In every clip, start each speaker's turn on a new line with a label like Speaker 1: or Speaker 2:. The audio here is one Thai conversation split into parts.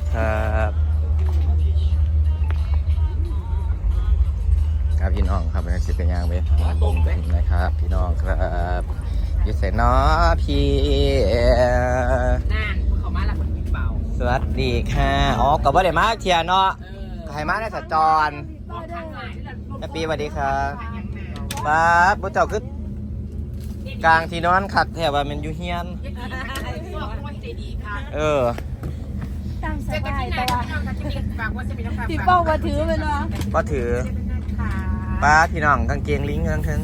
Speaker 1: ครับครับพี่น้องครับเป็นสิเป็นยังไปตรงนะครับพี่น้องครับอยู่เสร็จเนาะพี่
Speaker 2: น่าเขามาละคนกินเปล่า
Speaker 1: สวัสดีค่ะอ๋อกับว่าเดี๋ยวมาเทียเนาะไข่มาในสัญจรแฮปปี้สวัสดีครับป้าบุเจ้าคือกลางที่นอนขัดแถวว่ามันอยู่เฮียน
Speaker 3: ตั้งสบายแต่ว่าพี่เป้ามาถือไปเนาะ
Speaker 1: ก็ถือป้าพี่น้องกางเกงลิงทั้งทึง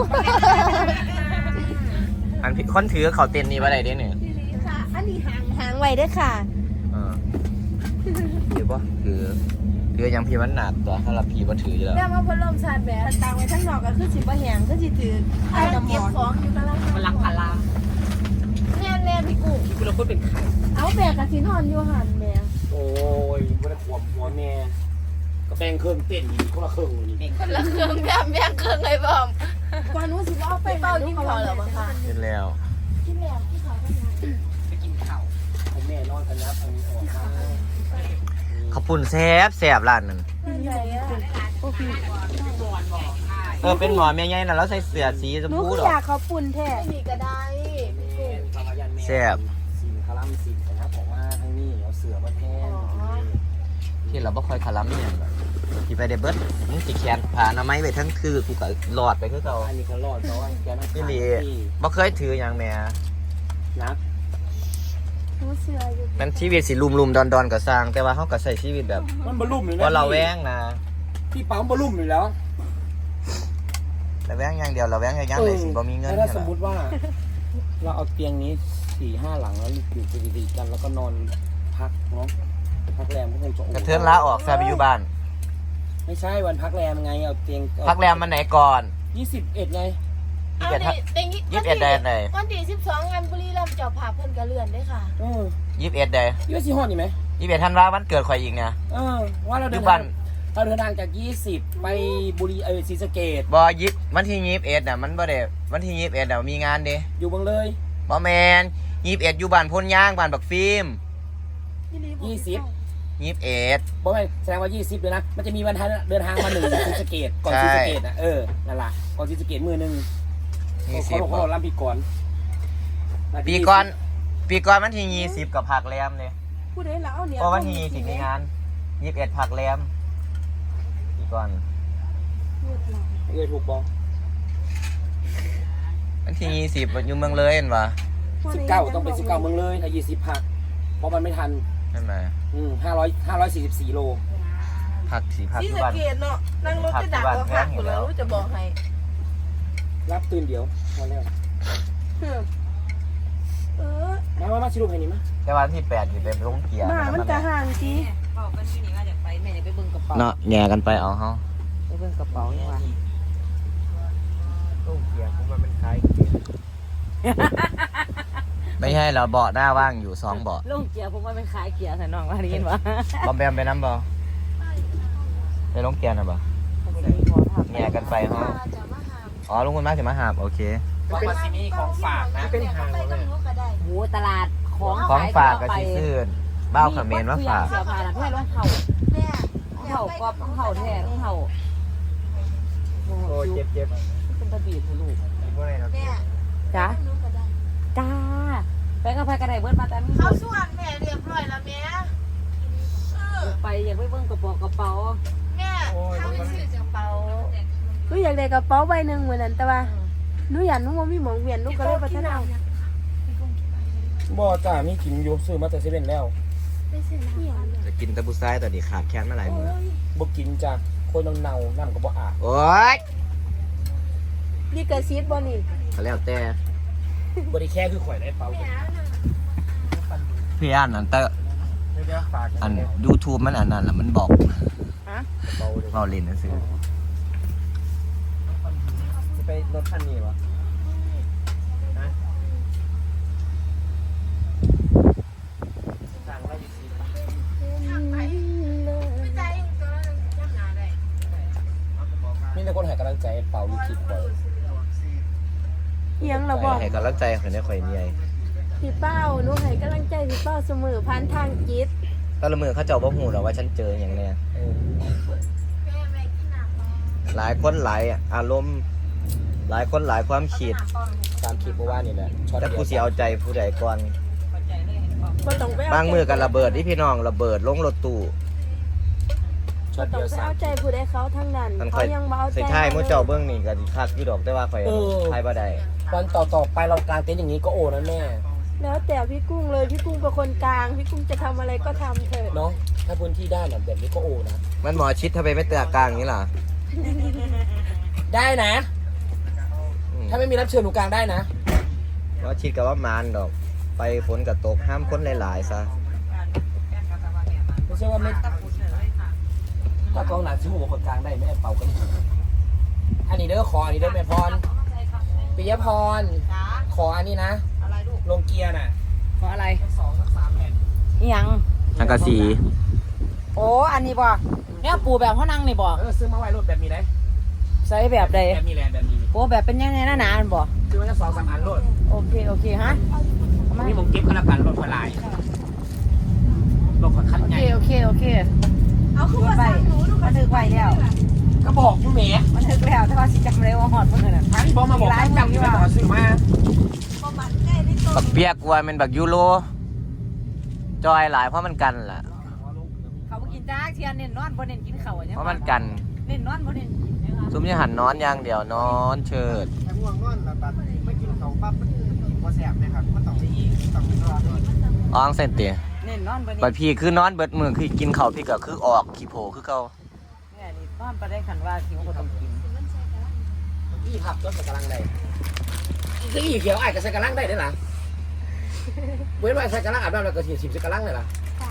Speaker 1: อันคนถือเขาเต้นนี่ว่าอะไรเด้เนี่ย
Speaker 3: อันนี้หางไว้ด้วยค่ะ
Speaker 1: ถือป่ะถือยังพี่มันหนักตัวถ้าเราพี่ก็ถืออยู่แล้ว
Speaker 3: แล้วมาพัดลมชาร์จแบตต่างไว้ทั้งนอกก็คือสิบแหงก็สิถือไอ้น้ำหมอนของอยู่กันแล้ว
Speaker 2: มันรักพารา
Speaker 3: แน่พี่กู
Speaker 2: คุณเราพูดเป็นใคร
Speaker 3: เอาแบกกับสินอนอยู่หันแม่
Speaker 2: โอ้ยไม่ได้ขวบหัวแม่ก็แบ่งเครื่องเต้นอีกคนละเครื่องนี่
Speaker 3: คนละเครื่องแบ่งเครื่องเลยบอมก่อนนู้นสิว่าเอาไปเป้ากินข้าวแล้วมั้งคะ
Speaker 1: กินแล้ว
Speaker 3: กินข้าว
Speaker 2: ไปกินข้าวแม่นอนกันนะทางนี้ออกมา
Speaker 1: ข้าวปุ้นแซ่บร้านนั้นเป็นหมอแม่ใหญ่น่ะแล้วใส่เสื้อสีชมพูหรอ
Speaker 3: อยากข้าวปุ้นแท้มีก็ได้
Speaker 1: แซ่บ
Speaker 2: สินคาลัมสินนะครับของมาทางนี้เอาเสือมาแทน
Speaker 1: ที่เราบ่ค่อยคาลัมเนี่ยที่ไปเดเบิร์ดมึงสิแขนผ่าหน้าไม้ไปทั้งคือกูก็หลอดไปคือเก่า
Speaker 2: อันนี้ก็รอดเพราะว่าแกนั่ง
Speaker 1: นี่ลีบ่เคยถืออย่างแม่
Speaker 2: นัก
Speaker 1: มันชีวิตสิลุมๆดอนๆก็สร้างแต่ว่าเฮาก็ใช้ชีวิตแบบ
Speaker 2: มันบ่ลุ่มเลยนะ
Speaker 1: ว่าเราแว้งนะ
Speaker 2: ที่ปั๊มบ่ลุ่มอยู่แล้ว
Speaker 1: แต่แว้งอย่างเดียวเราแว้งอย่างได้สิบ่มีเงิน
Speaker 2: ถ้าสมมุติว่าเราเอาเตียงนี้ 4-5 หลังแล้วอยู่ติดกันแล้วก็นอนพักเนาะพักแรมก็คงจะ
Speaker 1: กระเทือนลาออกซะไปอยู่บ้าน
Speaker 2: ไม่ใช่วันพักแรมไงเอาเตียง
Speaker 1: พักแรมมันไหนก่อน
Speaker 2: 21ไง
Speaker 1: 21ได้ไหน
Speaker 3: วันที่12งานบุรีรัมย์เจ้าภาพเพิ่นก็เลื่อนด้วยค่ะ
Speaker 1: 21ได้
Speaker 2: 21ฮอดนี่ไหม
Speaker 1: 21ธันวาคมวันเกิดข่อยอีกเนี่ย
Speaker 2: ว่าเราเดินทางจาก20ไปบุรีศรีสะเกษ
Speaker 1: บ่วันที่21น่ะมันบ่ได้วันที่21น่ะมีงานเด้
Speaker 2: อยู่เบิ่งเลย
Speaker 1: บ่แม่น21อยู่บ้านพลย่างบ้านบักฟิล์ม
Speaker 2: 21บ่แม่นแสดงว่า20เลยนะมันจะมีวันเดินทางมา1ศรีสะเกษก่อนศรีสะเกษน่ะนั่นล่ะก่อนศรีสะเกษมื้อนึงเขาลำปีก่อน
Speaker 1: ปีก่อนวันที่20กับผักแรมเลย
Speaker 3: พูดได้แล้วเนี่ย
Speaker 1: เพราะวันที่20มีงาน21ผักแรมปีก่อน
Speaker 2: ถูกบ่
Speaker 1: วันที่20อยู่เมืองเลยเห็นป่ะ
Speaker 2: 19ต้องเป็น19เมืองเลยถ้า20ผักเพราะมันไม่ทัน
Speaker 1: ใช่ไหม
Speaker 2: 544 โล
Speaker 1: ผัก4ผัก
Speaker 3: ที่
Speaker 1: บ้าน
Speaker 3: เกตเนาะนั่งรถจะดักก็ผักอยู่แล้วจะบอกให้
Speaker 2: รับตื่นเดี๋ยวมาแล้วมาชิลูกให้นี่มั้ย
Speaker 1: แต่วันที่8นี่เป็นลงเกียร์
Speaker 3: มันจะห่างสิ
Speaker 2: บอกกันที่นี่ว่าจะไปแม่จะไปเบิ่งกระเป๋า
Speaker 1: เนาะแง่กันไปเอาเฮา
Speaker 2: ไปเบิ่งกระเป๋านี่ว่า
Speaker 1: ลงเกียร์ผมว่ามันคล้ายเกียร์ไม่ใช่เราเบาะหน้าว่างอยู่2เบาะ
Speaker 2: ลงเกียร์ผมว่ามันคล้ายเกียร์ใส่น้องว่าได้ยินบ่
Speaker 1: บอมแบมไปน้ำบ่ไปลงเกียร์น่ะบ่แง่กันไปเฮาอ๋อลุงคุณมาสิมาหาบโอเค
Speaker 2: ว่ามาสิมีของฝากนะเป็นหางเลยโหตลาด
Speaker 1: ของฝากก็สิซื้อบ้าวเขมรมาฝาก
Speaker 2: เสื้อผ้าน่ะเพื่อนรองเท้าแม่รองเท้าก็รองเท้าแท้รองเท้า
Speaker 1: โอ้เจ็บ
Speaker 2: เป็นตะบีบลูก
Speaker 3: แม่
Speaker 2: จ้าไปกับไปกระไดเบิดมาแต่
Speaker 3: เขาส่วนแม่เรียบร้อยแล้วแม่
Speaker 2: ไปอยากไปเบิ่งกระเป๋า
Speaker 3: แม่ถ้าไม่ซื้อกระเป๋าหนูอยากได้กระเป๋าใบหนึ่งเหมือนนั้นแต่ว่าหนูอยากหนูว่ามีหมองเวียนหนูก็เลยไปท่านเอา
Speaker 2: บ่จ้ามีกินอยู่ซื้อมาแต่เซเว่นแล้ว
Speaker 1: จะกินตะบุซ้ายแต่ดีขาดแค้นมาหลายมื้อ
Speaker 2: บ่กินจ้าคนเน่าน้ำก็บ่อาบ
Speaker 1: โอ๊ย
Speaker 3: นี่กระซิบบ่นี่
Speaker 1: ก็แล้วแต่
Speaker 2: บ่ได้แค่คือข่อยได้เป่า
Speaker 1: พี่อันนั้นแต่อัน YouTube มันอันนั้นแหละมันบอกเบาเล่นซื่อ
Speaker 2: ไปรถคันนี้วะนี่แต่คนให้กำลังใจเป่าลูกคิดเป่า
Speaker 3: ยังเราบอก
Speaker 1: ให้กำลังใจคนนี้ข่อยเมีย
Speaker 3: พี่เป้าหนูให้กำลังใจพี่เป้าเสมอผ่านทางจิต
Speaker 1: ก็ละมือเขาเจ้าบ่หูหรอกว่าฉันเจออย่างเนี้ยหลายคนหลายอารมณ์หลายคนหลายความคิด
Speaker 2: ตามคลิปเมื่อวานนี่แหละช็อต
Speaker 1: แต่ผู้สิเอาใจผู้ใดก่อน
Speaker 3: บ่ต้องไปเ
Speaker 1: บางมือกันระเบิดที่พี่น้องระเบิดลงรถตู้
Speaker 2: ช็อต
Speaker 3: ต้อ
Speaker 2: เดี
Speaker 3: ง
Speaker 2: ยว
Speaker 3: ไป
Speaker 2: สาม
Speaker 3: เอาใจผู้ใดเขาทั้งนั้น
Speaker 1: มันค่
Speaker 3: เขา
Speaker 1: อย
Speaker 3: ยังมาเอาใจ
Speaker 1: ใส่ท้ายมื้อเจ้าเบิ่งนี่ก็สิคักอยู่ดอกแต่ว่าข่อยท้ายบ่ได้
Speaker 2: วันต่อไปเรากางเต็นท์อย่างนี้ก็โอนะแม่
Speaker 3: แล้วแต่พี่กุ้งเลยพี่กุ้งเป็นคนกลางพี่กุ้งจะทำอะไรก็ทำเถอะ
Speaker 2: เนาะถ้าพื้นที่ได้น่ะแบบนี้ก็โอนะ
Speaker 1: มันหมอชิดทำไมไม่เตือกลางอย่างนี้ล่ะ
Speaker 2: ได้นะ
Speaker 1: อืม
Speaker 2: ถ้าไม่มีรับเชิญหนูกลางได้นะ
Speaker 1: หมอชิดกับว่ามานดอก ไปฝนกับตกห้ามคนหลายๆซะ
Speaker 2: ไม่ใช่ว่าไม่ถ้ากองหนักชิวบอกคนกลางได้ไม่ให้เป่ากันอันนี้เด้อขออันนี้เด้อแม่พรปิยพรขออันนี้นะลงเกียร์น่ะ
Speaker 4: เพราะอะไร
Speaker 2: 2-3แผ่น
Speaker 4: อิหยัง
Speaker 1: สังกะสี
Speaker 4: โอ้อันนี้บ่เนี่ยปูแบบเขานั่งนี่บ่
Speaker 2: ซื้อมาไว้รถแบบนี้ได้
Speaker 4: ใส่แบบใด
Speaker 2: แบบนี้แหละแบบนี้
Speaker 4: โอ้แบบเป็นยังไงหนาๆอันบ่
Speaker 2: ซื้อมาแค่2-3อันรถ
Speaker 4: โอเคฮะ
Speaker 2: มันมีผมเก็บกันละกันรถไฟลายรถขนคัน
Speaker 4: โอ
Speaker 2: ให
Speaker 4: เค
Speaker 2: ญ่
Speaker 4: โอเคเอาขึ้นมาสั่งหนูดูมันถึกไว้แล้ว
Speaker 2: ก็บอกอยู่แหม
Speaker 4: มันถึกแล้วแต่ว่าสิจำเลยว่าหอดเพิ่นน่ะ
Speaker 2: ทางที่บอกมาบอกว่าจำอยู่แล้วซื้อมา
Speaker 1: บักเปียกว่ามันบักยูโรจอยหลายเพราะมันกันล่ะ
Speaker 4: เขาบ่กินจ้าเทียนเน้นนอนบ่เน้นกินข้าวอะเนี่ย
Speaker 1: เพราะมันกัน
Speaker 4: เน้นนอนบ่เน้นกินนะคะ
Speaker 1: ซุ้มยังหันนอนอย่างเดียวนอนเชิด
Speaker 5: แต่ง่วงนอนแล้วบัดไม่กินเขาปั๊บมันกินบ่แซ่บเลยครับมันต้องไปอีกต้องไปนอนก่อน
Speaker 1: อ้องเส้นเตีย
Speaker 4: เน้นนอนบ่เน้น
Speaker 1: บัดพี่คือนอนเบิดมือคือกินข้าวพี่ก็คือออกขี้โผคือเก่า
Speaker 4: เนี่ยนี่นอนบ่ได้คันว่าหิวก็ต้องกิน
Speaker 2: อีพับรถใส่กระลังได้คืออีเขียวไอ้กับใส่กระลังได้ด้วยล่ะเว้นไว้ใส่กระลังอาบน้ำแล้วก็ฉีดใส่กระลังเลยล่ะ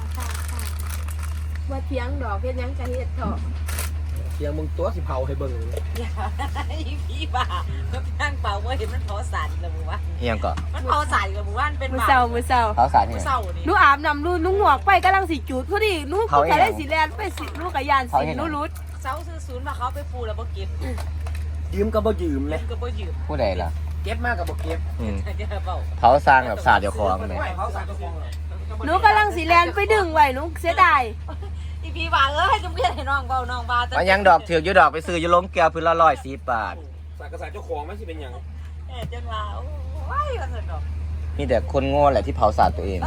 Speaker 3: ว่าเถียงดอกเฮ็ดหยังกะเฮ็ดเถาะ
Speaker 2: เสียงมึงตัวสิเผาให้เบิ่ง
Speaker 4: อย่าอีพี่บ้ามันนั่งเป่าบ่เห็นมันเผาสารอีกแล้วหมู่บ้าน
Speaker 1: เอียงก็
Speaker 4: มันเผาสารอีกแล้วหมู่บ้านเป็น
Speaker 3: มื้อ
Speaker 4: บ้า
Speaker 3: เช้ามื้อเช้า
Speaker 1: เขาสาร
Speaker 4: มื้
Speaker 1: เนี่
Speaker 4: อย เช้านี่
Speaker 3: หนูอาบน้ำนูหนูหงวกไปกำลังสิจุดพอดีหนู
Speaker 1: เขา
Speaker 3: ก็
Speaker 1: อีหยัง
Speaker 3: ได้สิแลนไปสิหนูก็ยานสิหนูรุด
Speaker 4: เช้าซื้อศูนย์มาเขาไปปูแล้วบ่เก็บ
Speaker 2: ยืมก็บ่ยืมเลย
Speaker 4: ก็บ่ยืม
Speaker 1: ผู้ใดล่ะ
Speaker 2: เก็บมากกับบ่เก็บ
Speaker 1: อืม
Speaker 4: จะเป่า
Speaker 1: เขาสร้างแบบศาสตร์เดียวคองเลย
Speaker 2: ไม่เขาใส่กระโปรงเลย
Speaker 3: หนูกำลังสิแลนไปดึงไว้หนูเสียดาย
Speaker 4: อีพี่บ้าให้จุ่มเพี้ยนให้น้องเบาน้องบ้า
Speaker 1: มันยังดอกถือกอยู่ดอกไปซื้ออยู่ล้มแก้วพื้นละ140 บาท
Speaker 2: ใส่กระใส่เจ้าของไม่ใช่เป็นอย่าง
Speaker 4: จังว่าว้ายมันสนุก
Speaker 1: มีแต่คนโง่แหละที่เผาศาสตร์ตัวเอง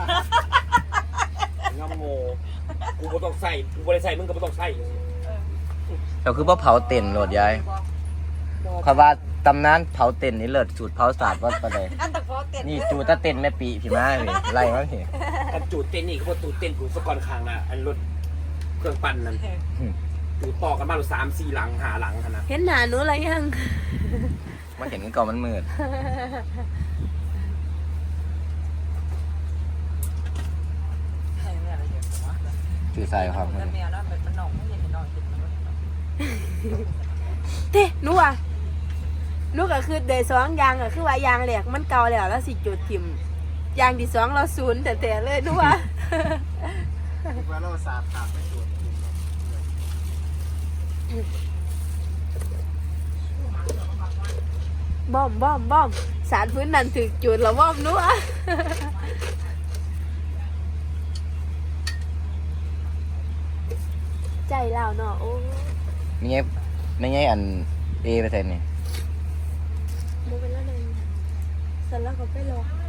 Speaker 2: งำโง่กูบ่ต้องใส่กูบ่ได้ใส่มึงก็บ่ต้องใส่
Speaker 1: เราคือว่าเผาเต็นโหลดยายคำว่าตำนานเผาเต็นนี่เลิศสูตรเผาศาสตร์ว่าประเด
Speaker 4: อันตะโกนเต้น
Speaker 1: นี่จูตะเต็นแม่ปีพี่มาเลยไล่มาพี่
Speaker 2: กันจูดเต้นนี่ก็บ่ตูดเต้นกูสกอนคางน่ะอันรถเครื่องปั่นนั่นจูดต่อกันมา3-4 หลัง5 หลังหั่นน่ะ
Speaker 3: เห็นหน้าหนูอะไรยัง
Speaker 1: มาเห็นกันก่อนมันมืดจือใส่ครับ
Speaker 4: แล้วแมวแล้วมันน้องไม่เห็นน้องกินมัน
Speaker 3: เต้หนูอ่ะหนูก็คือเดย์สองยางก็คือว่ายางแหลกมันเก่าแล้วสิจุดทิมยางที่สองเราศูนย์แต่เลยหนูว่า
Speaker 5: คิดว่าเราสาดขาดไปตรวจกิน
Speaker 3: บ้อมสารพื้นนั่นถึกจุดแล้วบ้อมหนูอ่ะ ใจเราเนาะโอ้
Speaker 1: ไม่ไงอันเอไปใส่นี่
Speaker 3: โมเป็นแล้วนึงเสร็จแล้วก็ไปรอ